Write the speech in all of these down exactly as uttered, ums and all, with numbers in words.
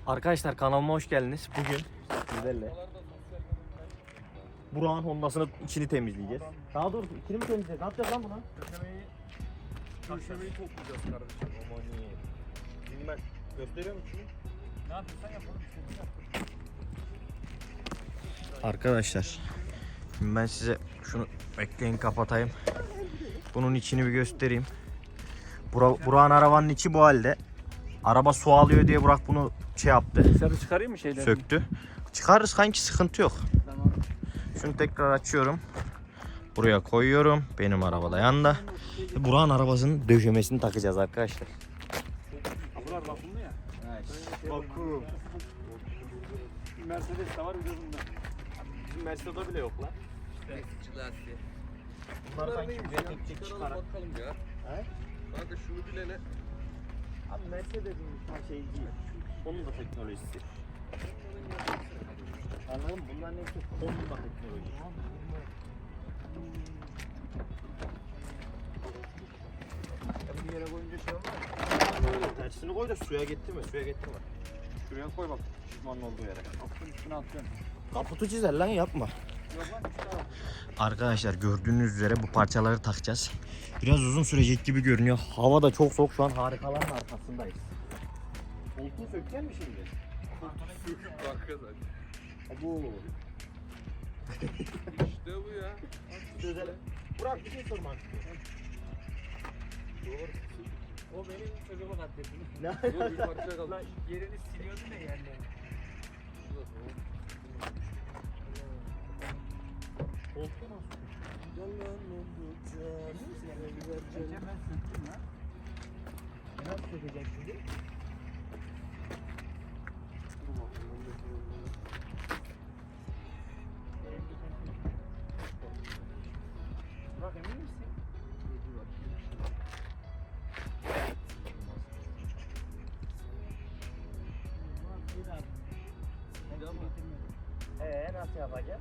Arkadaşlar kanalıma hoş geldiniz. Bugün sizlerle Burak'ın Honda'sının içini temizleyeceğiz. Daha doğrusu içini mi temizleyeceğiz? Ne yapacağız lan buna? Köşemeyi, köşemeyi toplayacağız kardeşim. Aman iyi. Şimdi ben gösteriyorum içini. Ne yapıyorsan yapalım. Arkadaşlar şimdi ben size şunu bekleyin kapatayım. Bunun içini bir göstereyim. Burak, Burak'ın arabanın içi bu halde. Araba su alıyor diye Burak bunu şey yaptı. Dışarı çıkarayım mı şeyleri? Söktü. Çıkarırız kanki, sıkıntı yok. Tamam. Şunu tekrar açıyorum. Buraya koyuyorum. Benim arabada yanında. Burak'ın arabasının döşemesini takacağız arkadaşlar. Bunlar bakımlı ya. Bakım. Bir Mercedes de var bir de bunda. Bizim Mercedes'de bile yok lan. İşte lastiği. Bunlar Bunlar sanki neymiş bir ya? tek Çıkaralım çıkarak. bakalım ya. He? Kanka şunu bilene. Abi Mercedes'in bir şey değil. Onun da teknolojisi. Anladın mı? Bunların hepsi Honda teknolojisi. Bir yere koyunca şey olmaz. Tersini koy da suya getirme, suya getirme. Şuraya koy bak. Şişmanın olduğu yere. Kapının üstüne atıyorum. Kaputu çizer lan, yapma. Yok lan üstüne al. Arkadaşlar gördüğünüz üzere bu parçaları takacağız. Biraz uzun sürecek gibi görünüyor. Hava da çok soğuk, şu an harikaların arkasındayız. Koltuğu sökecek mi şimdi? Kanka zaten. Bu. İşte bu ya. Çözelim. Burak bir şey sormak istiyorum. O benim çocuğumu katlettim. Ne? Dur bir parça kaldı. Lan yerini siliyordun ya yerlerini. Koltuğu nasıl? Geçen ben söktüm lan. Nasıl sökecek şimdi? Bak emin misin? Eee nasıl yapacağız?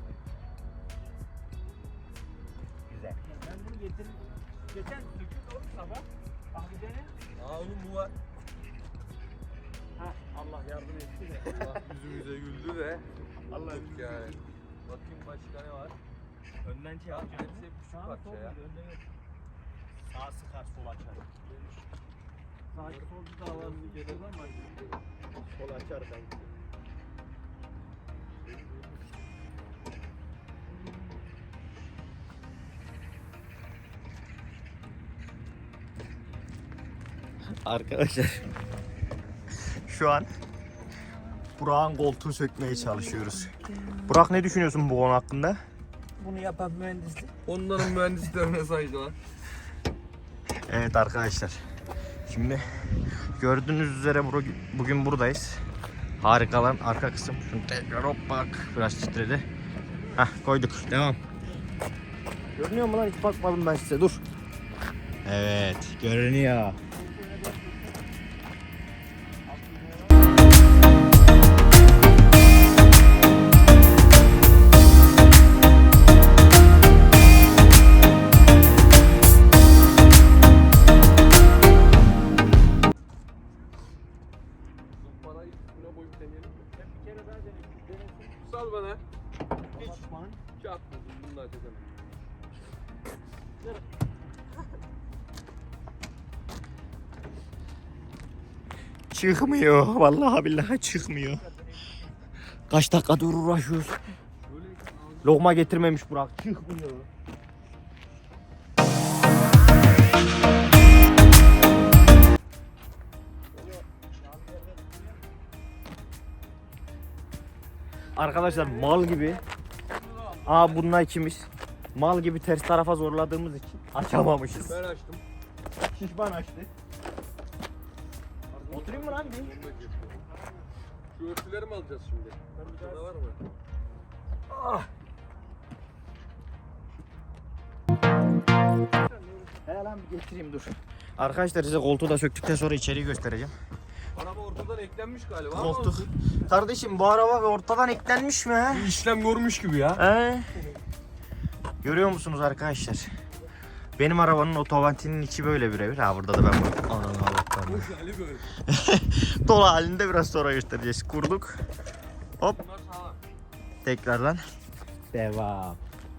Güzel. Ben bunu getirdim. Geçen söktüm oğlum sabah. Bak bir dene. Aa oğlum bu var. Hah Allah yardım etti de. Allah yüzümüze güldü de. Allah Güldük yani. Bakayım başka ne var? Önden şey Ya yapacağım. hepsi hep küçük Sağ parça sol ya. önde yok. Sağ sıkar, sol açar. Sağ solcu da var. Şuradan başlıyor. Sol açar sanki. Arkadaşlar şu an Burak'ın koltuğunu sökmeye çalışıyoruz. Burak, ne düşünüyorsun bu konu hakkında? Bunu yapan mühendislik. Onların mühendislerine saygılar. Evet arkadaşlar, şimdi gördüğünüz üzere bur- bugün buradayız. Harikalan arka kısım. Şunu tekrar hop bak, biraz titredi. Heh, koyduk, devam. Görünüyor mu lan? Hiç bakmadım ben size, dur. Evet, görünüyor. Parayı üstüne koyup deneyelim mi? Ben bir kere daha deneyim. Denesin. Sal bana. Hiç. Hiç atmadım. Bunu da açacağım. Çıkmıyor, vallahi billahi çıkmıyor. Kaç dakikadır uğraşıyoruz. Böyle Lokma getirmemiş Burak, çıkmıyor. Arkadaşlar mal gibi. Aa bununla ikimiz. Mal gibi ters tarafa zorladığımız için açamamışız. ben açtım. Şişman açtı. Oturayım mı lan bir? Şu örtüleri mi alacağız şimdi? Burada var mı? Ah. He lan bir getireyim, dur. Arkadaşlar size koltuğu da söktükten sonra içeriği göstereceğim. Araba ortadan eklenmiş galiba. ama Koltuk. Kardeşim bu araba ortadan eklenmiş mi he? bir işlem görmüş gibi ya. He? Görüyor musunuz arkadaşlar? Benim arabanın otomatiğinin içi böyle birebir. Ha burada da ben bunu. Ananı Allah Boş hali böyle. Dolu halinde biraz sonra göstereceğiz. Kurduk. Hop. Bunlar sağlam. Tekrardan devam.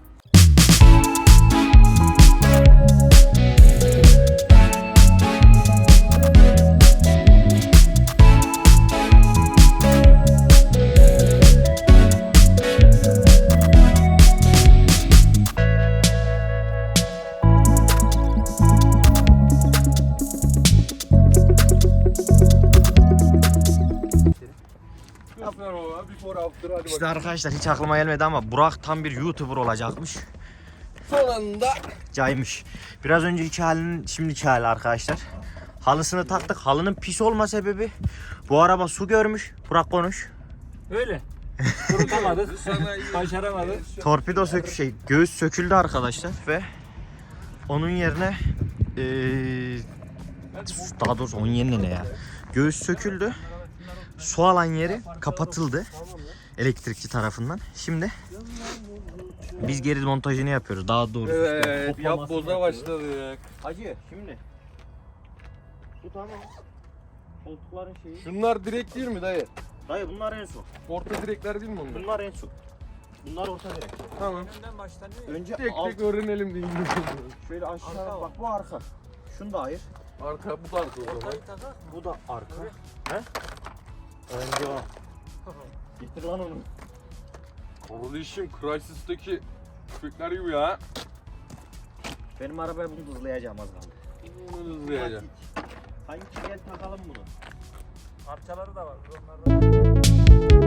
Göster baba. Before after hadi İşte bakalım. arkadaşlar hiç aklıma gelmedi ama Burak tam bir YouTuber olacakmış. Son anda. Caymış. Biraz önceki halinin şimdiki hali arkadaşlar. Halısını taktık. Halının pis olma sebebi bu araba su görmüş. Burak konuş. Öyle. Kurutamadık. Sana iyi. Başaramadık. Torpido sökü şey göğüs söküldü arkadaşlar ve onun yerine eee daha doğrusu onun yerine ne ya? Göğüs söküldü. Su alan yeri kapatıldı elektrikçi tarafından. Şimdi biz geri montajını yapıyoruz. Daha doğrusu. Evet. Yap boza başladık. Hacı şimdi. Bu tamam. Koltukların şeyi. Şunlar direkt değil mi dayı? Dayı bunlar en son. Orta direkler değil mi onlar? Bunlar en son. Bunlar orta direk. Tamam. Önden baştan ne? Önce Tek alt, tek öğrenelim diye. şöyle aşağı Arka bak bu arka. Şunu da ayır. Arka bu da arka o zaman. Ortayı takak. Bu da arka. He? Önce o. Getir lan onu. Kardeşim Crysis'teki köpekler gibi ya. Benim arabaya bunu hızlayacağım az kaldı. Bunu hızlayacağım. Hangi gel takalım bunu. Parçaları da var. Onlardan.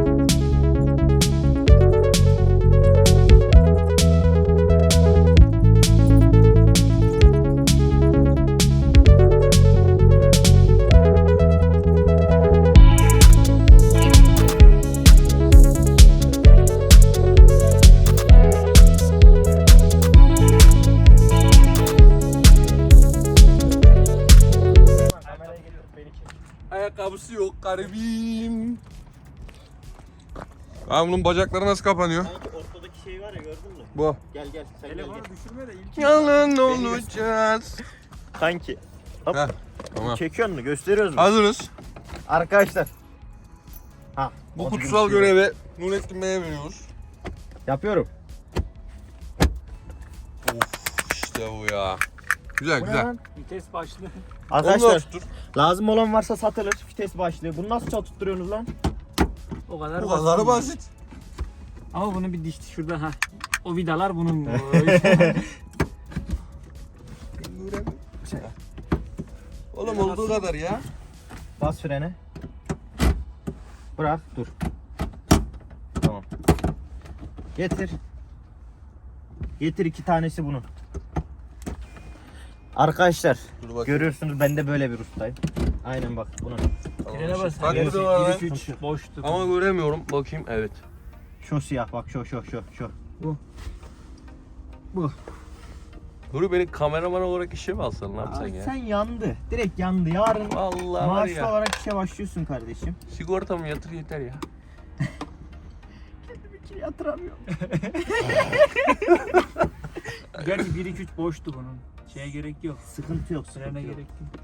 Kameraya getir beni çek. Ayakkabısı yok garibim. Ha bunun bacakları nasıl kapanıyor? Sanki ortadaki şey var ya gördün mü? Bu. Gel gel sen gel Telefonu gel. düşürme de ilk. Yalan olacağız. Kanki. Hop. Heh, tamam. Çekiyor mu? Gösteriyoruz mu? Hazırız. Arkadaşlar. Ha. Bu onu kutsal gösteriyorum. görevi Nurettin Bey'e veriyoruz. Yapıyorum. Of işte bu ya. Güzel Bu ne güzel. lan? Vites başlı. Onu da Arkadaşlar tuttur. lazım olan varsa satılır. Vites başlığı. Bunu nasıl tutturuyorsunuz lan? O kadar Bu kadar basit. Ama bunun bir dişti şurada ha. O vidalar bunun. Oğlum olduğu kadar ya. Bas frene. Bırak dur. Tamam. Getir. Getir iki tanesi bunun. Arkadaşlar Dur bakayım. görüyorsunuz ben de böyle bir ustayım. Aynen bak bunun. Frene bas. Bak Gerisi- burada var. bir üç boştu. Ama göremiyorum. Bakayım evet. Şu siyah bak şu şu şu şu. Nuri beni kameraman olarak işe mi alsan ne yapsan Ay, ya? sen yandı. Direkt yandı. Yarın Vallahi var maaşlı ya. olarak işe başlıyorsun kardeşim. Sigortamı yatır yeter ya. Bir şey yatıramıyorum. Gerçi bir iki üç boştu bunun. Şeye gerek yok. Sıkıntı yok. Sıkıntı Frene yok. gerek yok.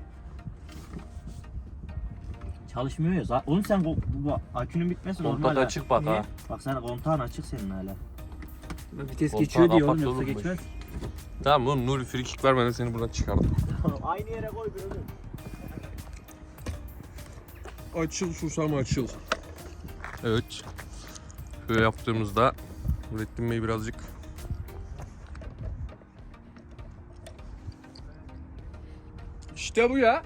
Çalışmıyor ya. Zaten- Oğlum sen bu, bu akünün bitmesi normal. Kontak ha. açık bak Niye? ha. Bak sana kontağın açık senin hala. Vites Koltuğa geçiyor diyor oğlum kapat yoksa oğlum geçmez. Tamam oğlum Nuri free kick vermeden seni buradan çıkardım. Aynı yere koy bir oğlum. Açıl susam açıl. Evet. Şöyle yaptığımızda Nurettin Bey birazcık İşte bu ya.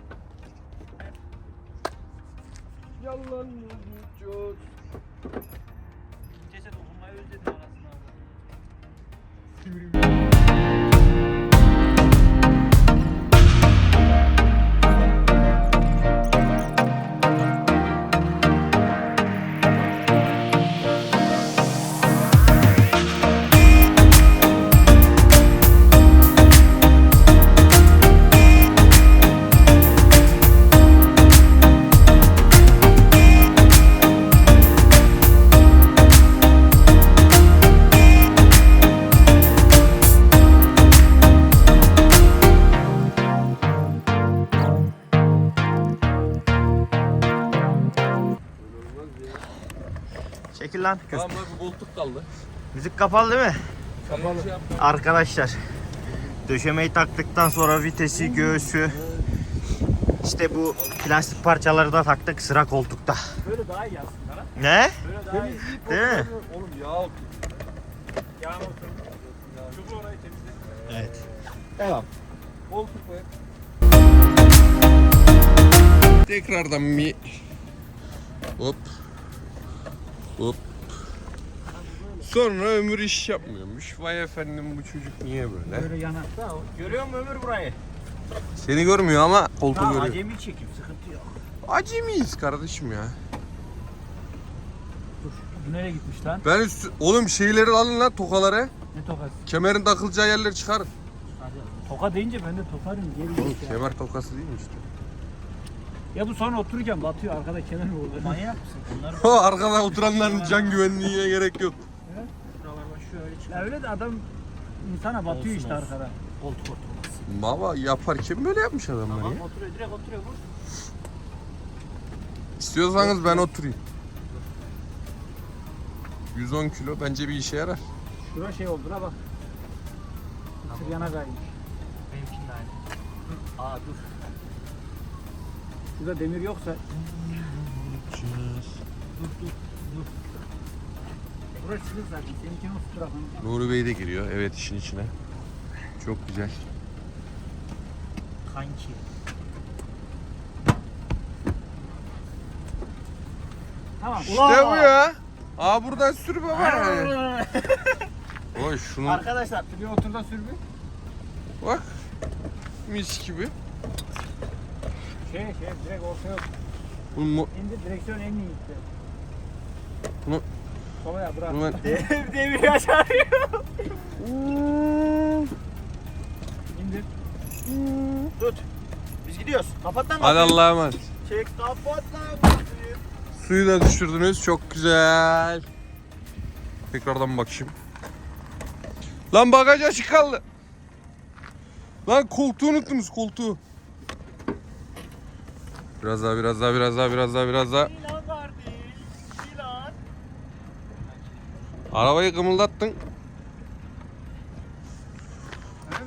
Yalan olacağız. Vitese dokunmayı özledim anasını. Çekil lan. Tamam bak bir koltuk kaldı. Müzik kapalı değil mi? Kapalı. Arkadaşlar döşemeyi taktıktan sonra vitesi, göğsü, işte bu plastik parçaları da taktık sıra koltukta. Böyle daha iyi aslında lan. Ne? Böyle daha iyi. Temizleyip Değil mi? oğlum yağ otur. Yağmur Çubuğu orayı temizle. Evet. Devam. Koltuk koy. Tekrardan bir hop hop. Sonra Ömür iş yapmıyormuş. Vay efendim bu çocuk niye böyle? Böyle yanakta o. Görüyor musun Ömür burayı? Seni görmüyor ama koltuğu Tamam görüyor. acemi çekim sıkıntı yok. Acemiyiz kardeşim ya. Dur. Bu nereye gitmiş lan? Ben üstü... Oğlum şeyleri alın lan tokaları. Ne tokası? Kemerin takılacağı yerleri çıkarın. Hadi. Toka deyince ben de tokarım. Geri Oğlum git ya. kemer tokası değil mi işte? Ya bu sonra otururken batıyor arkada kenar mı olur? Manyak mısın? Bunlar O arkada oturanların can güvenliğine gerek yok. buralar şöyle çıkıyor. Ya öyle de adam insana batıyor Olsun, işte olsun. arkada. Koltuk oturması. Baba yaparken böyle yapmış adamlar Tamam ya. oturuyor direkt oturuyor vur. İstiyorsanız ben oturayım. yüz on kilo bence bir işe yarar. Şura şey oldu ha bak. Mısır yana kaymış. Benimkinin de aynı. Aa dur. Şurada demir yoksa. Dur dur dur. Burası çizik zaten. Seninkini o tarafını. Nuri Bey de giriyor evet işin içine. Çok güzel. Kanki. Tamam. İşte bu ya. Aa buradan sür baba. Oy şunu Arkadaşlar bir otur da sür bir. bak. Mis gibi. Şey şey direkt ortaya Bunu, mu- indir direksiyon en iyi gitti. bunu, Sobaya bırak. bunu ben... Demir yaşarıyor. İndir. Tut. Biz gidiyoruz. Kapat lan. Hadi Allah'a emanet. Çek kapat lan. Suyu da düşürdünüz. Çok güzel. Tekrardan bakayım. Lan bagaj açık kaldı. Lan koltuğu unuttunuz koltuğu. Biraz daha biraz daha biraz daha biraz daha biraz daha. Silah kardeş. Silah. Arabayı kımıldattın. Öyle mi?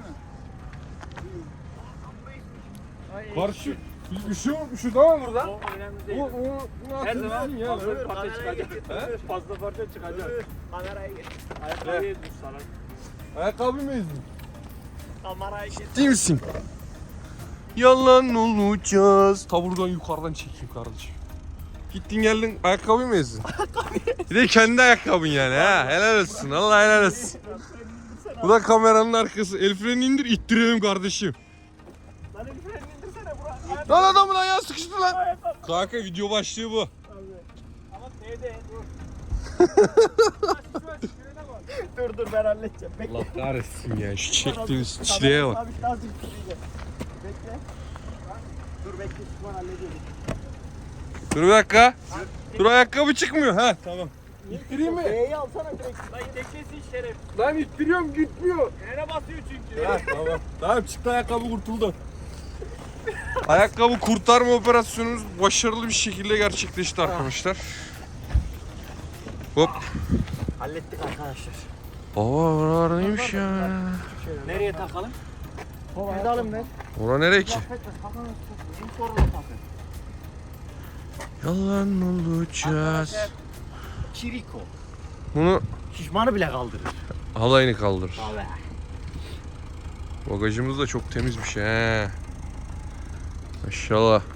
Karşı bir şey olmuş şu tamam burada. O önemli değil. o Her zaman ya. fazla parça kamerayı çıkacak. getir. Fazla parça çıkacak. Kamerayı getir. Ayakkabıyı düz sarar. Ayakkabı mı ezdin? Kamerayı getir. Ciddi misin? Yalan olacağız. Ta buradan yukarıdan çekeyim kardeşim. Gittin geldin ayakkabı mı ezdin? Bir de kendi ayakkabın yani ha. Helal olsun. Allah helal olsun. Bu da kameranın arkası. El freni indir ittirelim kardeşim. Lan el frenini indirsene Burak. Lan adamın ayağı sıkıştı lan. Kanka video başlığı bu. Ama T'de dur. Dur dur ben halledeceğim. Bekle. Allah kahretsin ya şu çektiğimiz çileye bak. Sabit lazım tutacağım. Bekle. Dur bekle Sübhan hallediyorum. Dur bir dakika. Dur ayakkabı çıkmıyor ha. Tamam. İttireyim mi? B'yi alsana direkt. Lan teklesin şeref. Lan ittiriyorum gitmiyor. Frene basıyor çünkü. Ha, tamam. Tamam çıktı ayakkabı kurtuldu. Ayakkabı kurtarma operasyonumuz başarılı bir şekilde gerçekleşti arkadaşlar. Hop. Hallettik arkadaşlar. Aa oralar neymiş ya? Nereye takalım? Pedalım ver. Ora nereye ki? Bizim sorun takın. Yalan olacağız. Kiriko. Bunu Şişmanı bile kaldırır. halayını kaldır. Abi. Bagajımız da çok temizmiş he. Maşallah.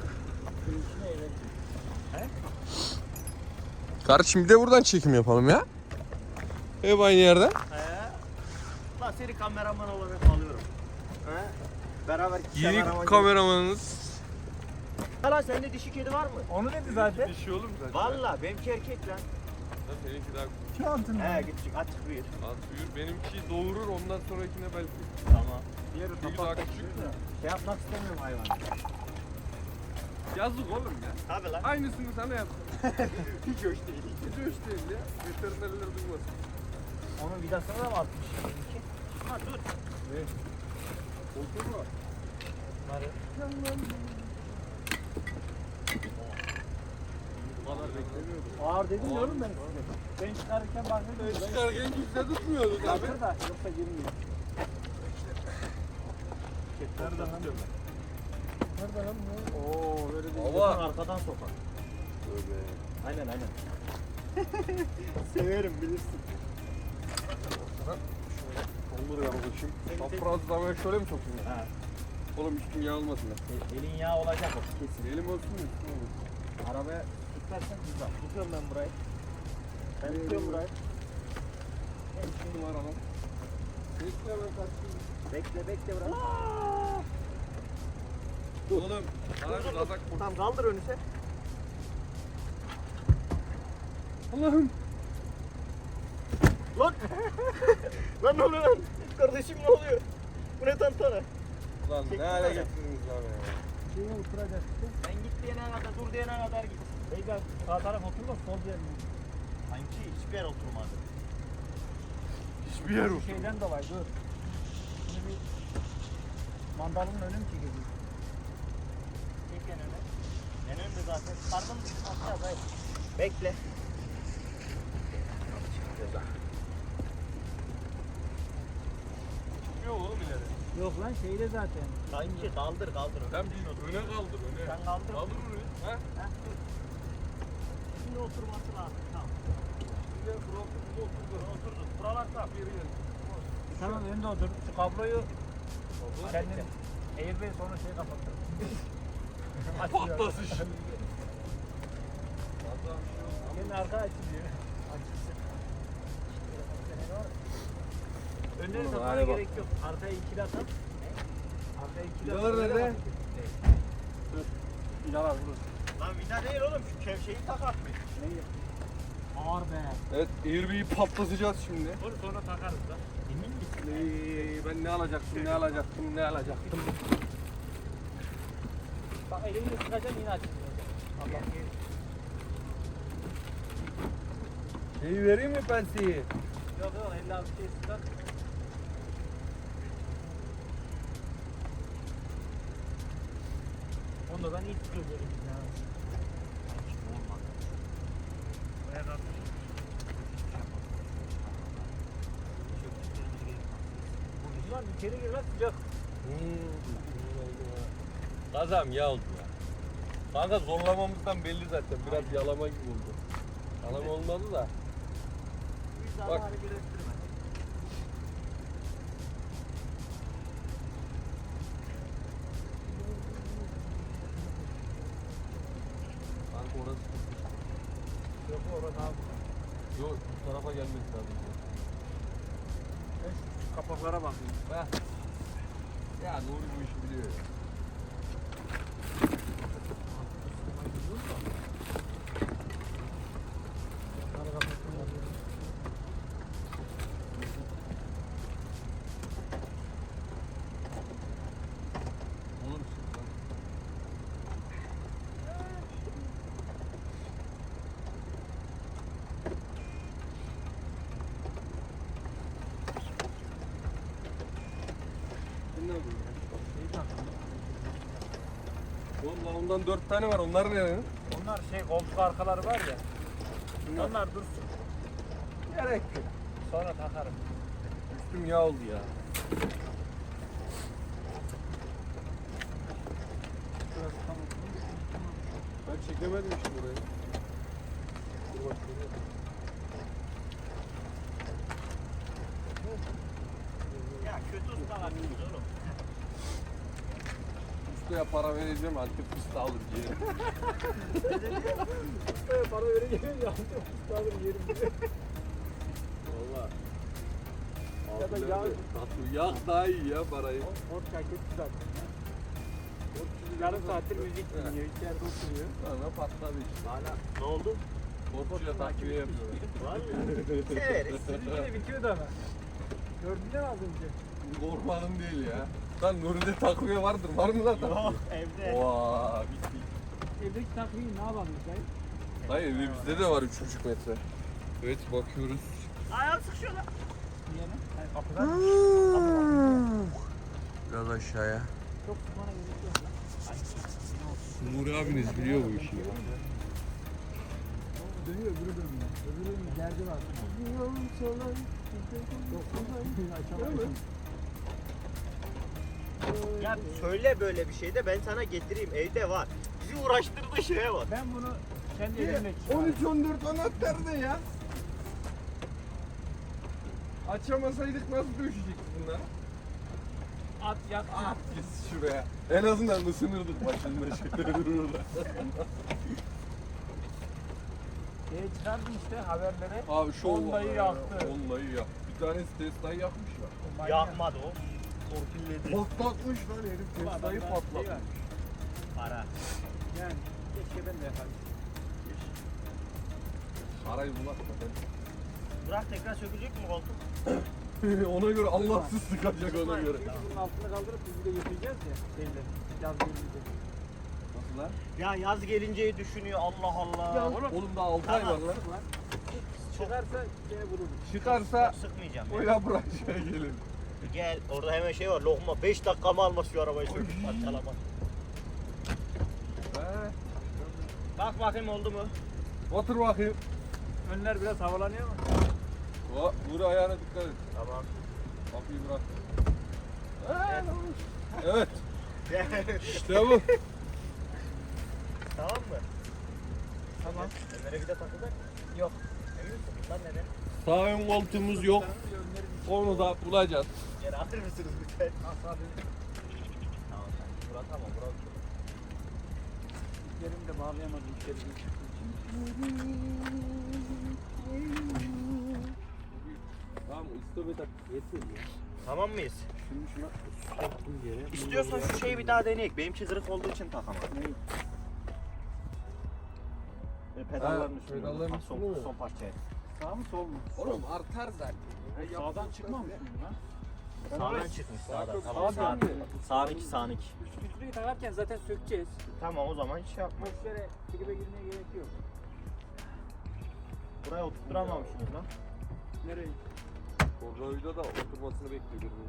Kardeşim bir de buradan çekim yapalım ya. Hep aynı yerden. He. Lan seni kameraman olarak alıyorum. He? Beraber Yeni kameraman kameramanınız. Lan sende dişi kedi var mı? Onu dedi zaten. Bir şey olur mu zaten? Valla benimki erkek lan. Seninki daha Şu altında. He gittik açık büyür. az büyür. Benimki doğurur ondan sonrakine belki. Tamam. Diğeri Bir daha kapattı. küçük. Şey yapmak istemiyorum hayvan. Yazık oğlum ya. Tabi lan. Aynısını sana yaptım. Hiç hoş değil. Hiç hoş değil ya. Veterinerler duymasın. Onun vidasını da mı atmış? Benimki? Ha dur. Oldu mu? Bunları. Bu kadar beklemiyordum. Ağır dedim ya oğlum ben size. Ben çıkarırken baktım öyle. Çıkarken kimse tutmuyordu tabii. Kalkır da yoksa girmiyor. Nerede lan? Nerede lan bu? Oo böyle bir Baba. arkadan sokar. Tövbe. Aynen aynen. Severim bilirsin. Olur ya babacığım. Çaprazlamaya şöyle mi sokayım? Ha. Oğlum üstüm yağ olmasın ya. E, elin yağ olacak o kesin. Elim olsun mu? Üstüm olmasın. Arabaya tutarsan güzel. Tutuyorum ben burayı. Ben tutuyorum burayı. Üstüm var ama. Bekle ben kaçayım. Bekle bekle biraz. Oğlum bana bir kazak vur. Tamam kaldır önü sen. Allah'ım. Lan! Lan ne oluyor lan? Kardeşim ne oluyor? Bu ne tantana? Lan ne hale getirdiniz lan ya. Şeye oturacak işte. Ben git diyene kadar, dur diyene kadar git. Beyler sağ taraf oturma sol diyelim. Sanki hiçbir yer oturmadı. Hiçbir yer yok. Şu şeyden dolayı dur. Şimdi bir mandalının önü mü çekiyor? Çek en öne. En önde zaten. Karnım aşağı hayır. Bekle. Çıkmıyor oğlum ileri. Yok lan şeyde zaten. Sanki kaldır kaldır. Ben bir öne kaldır öne. Sen kaldır. Kaldır öne. Ha? Heh, dur. Şimdi oturması lazım. Tamam. Şimdi burası burada oturdu. Oturduk. Buralar tamam. Geri gel. Tamam önde otur. Şu kabloyu kendin Airbag sonra şey kapattır. Patlasın şimdi. Allah'ım şu an. Senin arka açılıyor. Açılsın. Önleri Oğlum, takmana hadi bak. gerek yok. Arkaya ikili atar. Arkaya ikili Vidalar nerede? Dur. Vidalar burada. Lan vida değil oğlum. Şu kevşeyi takak mı? Neyi? Ağır be. Evet Airbag'i patlatacağız şimdi. Dur sonra takarız da. Emin misin? Ee, ben ne alacaktım ne alacaktım ne alacaktım. Bak elini sıkacaksın yine açılıyor. Allah Neyi vereyim mi pensiyi? Yok yok elli altı şey sıkar. Onu da ben iyi tutuyorum ya. Buraya kalk. Ulan içeri gir lan sıcak. Kazam ya oldu ya. Kanka zorlamamızdan belli zaten. Biraz yalama gibi oldu. Yalama olmadı da. Biz Bak. daha hareket ettirme. Kanka orası. Yok orada abi. Yok bu tarafa gelmesi lazım. Ben şu kapaklara bakıyorum. Heh. Ya Nuri bu işi biliyor ya. Oğlum sık lan. Sen ne yapıyorsun? Şeyi taktım. Oğlum lan ondan dört tane var. Onlar ne? Onlar şey koltuk arkaları var ya. Bunlar. Onlar dursun. Gerek yok. Sonra takarım. Üstüm yağ oldu ya. Şurası tamam. Ben çekemedim işte burayı. Dur bak şuraya. Ya kötü ustalar değil oğlum. Ustaya para vereceğim Antep fıstığı alır diye. Para vereceğim ya. Tutalım yerim diye. Valla. Ya da yağ. Tatlı yağ daha iyi ya parayı. Ort şarkısı zaten. Yarım saattir müzik dinliyor. İçeride oturuyor. Bana patladı işte. Hala ne oldu? Korkucuya takviye yapıyorlar. Var mı? Severiz. Yine bitiyordu ama. Gördün mü az önce? Korkmadım değil ya. Lan Nuri'de takviye vardır. Var mı lan takviye? Yok evde. Oha bitti. Evdeki takviyi ne yapalım dayı? Hayır bizde de var üç buçuk metre. Evet bakıyoruz. Ayağım sıkışıyor lan. Niye mi? Yani kapıdan Biraz aşağıya. çok sıkmana gerek yok lan. Nuri abiniz biliyor bu işi ya. dönüyor, öbürü dönüyor. Öbürünün derdi var. Ya söyle böyle bir şey de ben sana getireyim. Evde var. Bizi uğraştırdığı şeye bak. Ben bunu kendi elimle on üç on dört anahtar da ya. Açamasaydık nasıl döşecektik bunları? at yak. At git şuraya. En azından ısınırdık başında şeyler burada. Şeye çıkardım işte haberlere. Abi şu Honda'yı yaktı. Honda'yı yaktı. Bir tanesi Tesla'yı yakmış ya. O manyak. Yakmadı o. Torpilledi. Patlatmış lan herif Bu Tesla'yı adamda şey patlatmış. var. Para. Yani keşke ben de yaparım. Parayı bulak da Burak tekrar sökülecek mi koltuk? ben. Ona göre Allahsız sıkacak ona göre. Çünkü bunun altına kaldırıp biz de götüreceğiz ya. Şeyle. Yaz gelince. Nasıl lan? Ya yaz gelinceyi düşünüyor Allah Allah. Ya Oğlum, oğlum daha altı ay var lan. Lan. Çıkarsa gene vururuz. Çıkarsa Çok sıkmayacağım ya. öyle bırakacak gelin. Gel orada hemen şey var lokma beş dakika mı almaz şu arabayı söküp parçalamak. He. Bak bakayım oldu mu? Otur bakayım. Önler biraz havalanıyor mu? O, vur ayağına dikkat et. Tamam. Kapıyı bırak. Evet. İşte bu. Tamam mı? Tamam. Ömer'e bir de takılır. Yok. Emin misin? Bunlar neden? Sağ ön koltuğumuz yok. Onu da bulacağız. Geri alır mısınız lütfen? Asabi. Tamam. Burak tamam. Burak. Yerimi de bağlayamadım içeri geçtiğim Tamam istomet yesin ya. Tamam mıyız? Şimdi şuna soktum yere. İstiyorsan şu şeyi bir daha deneyek. Benimki kırık olduğu için takamadım. Neyi? E, pedalların Ha, üstünde. pedalların Ha, üstünde son, mi? son parçaya. Sağ mı sol mu? Oğlum artar zaten. Sağdan çıkmamış mıyım lan? Sağdan çıkmış sağdan. çok Tamam sağdan sağ. mı? Sağıniki sağıniki. Üç filtreyi takarken zaten sökeceğiz. Tamam o zaman hiç şey yapma. Boş yere tribe girmeye gerek yok. Buraya oturtturamamışsınız lan. Nereye? Tornavida da oturmasını bekliyorum.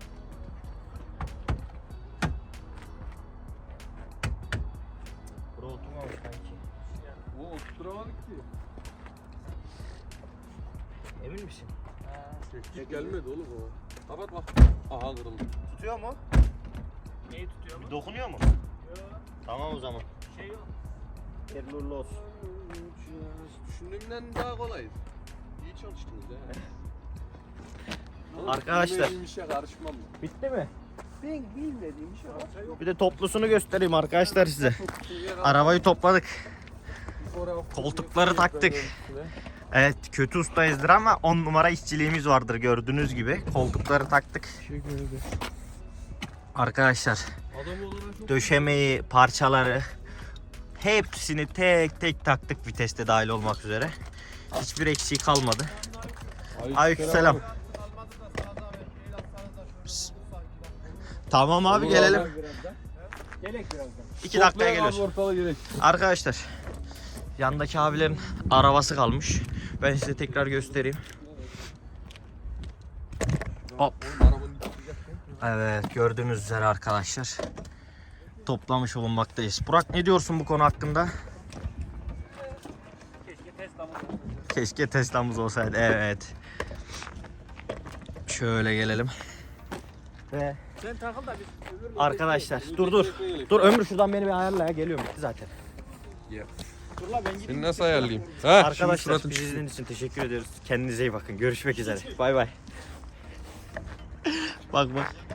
Buraya oturmamış kanki. O oturtturamadık ki. Emin misin? Hiç gelmedi oğlum o. Ha bak bak. Aha kırıldı. Tutuyor mu? Neyi tutuyor mu? Dokunuyor mu? Yok. Tamam o zaman. Şey yok. Hayırlı uğurlu olsun. Düşündüğümden daha kolay. İyi çalıştınız ya. Arkadaşlar. Benim işe karışmam. Bitti mi? Ben bilmediğim şey var. Yok. Bir de toplusunu göstereyim arkadaşlar size. Arabayı topladık. Koltukları taktık. Evet kötü ustayızdır ama on numara işçiliğimiz vardır gördüğünüz gibi. Koltukları taktık. Arkadaşlar döşemeyi, parçaları hepsini tek tek taktık viteste dahil olmak üzere. Hiçbir eksiği kalmadı. Aleykümselam. Tamam abi Olur gelelim. abi. Birazdan. Gelek birazdan. iki dakikaya geliyoruz. Ortalığı gerek. Arkadaşlar yandaki abilerin arabası kalmış. Ben size tekrar göstereyim. Hop. Evet gördüğünüz üzere arkadaşlar toplamış bulunmaktayız. Burak ne diyorsun bu konu hakkında? Keşke Tesla'mız olsaydı. Keşke Tesla'mız olsaydı. Evet. Şöyle gelelim. Ve Sen takıl da biz öbür arkadaşlar dur dur. Dur Ömür şuradan beni bir ayarla ya geliyorum bitti zaten. Dur la ben gideyim. Seni nasıl ayarlayayım? Ha, Arkadaşlar şimdi bizi izlediğiniz için teşekkür ediyoruz. Kendinize iyi bakın. Görüşmek üzere. Bay bay. Bak bak.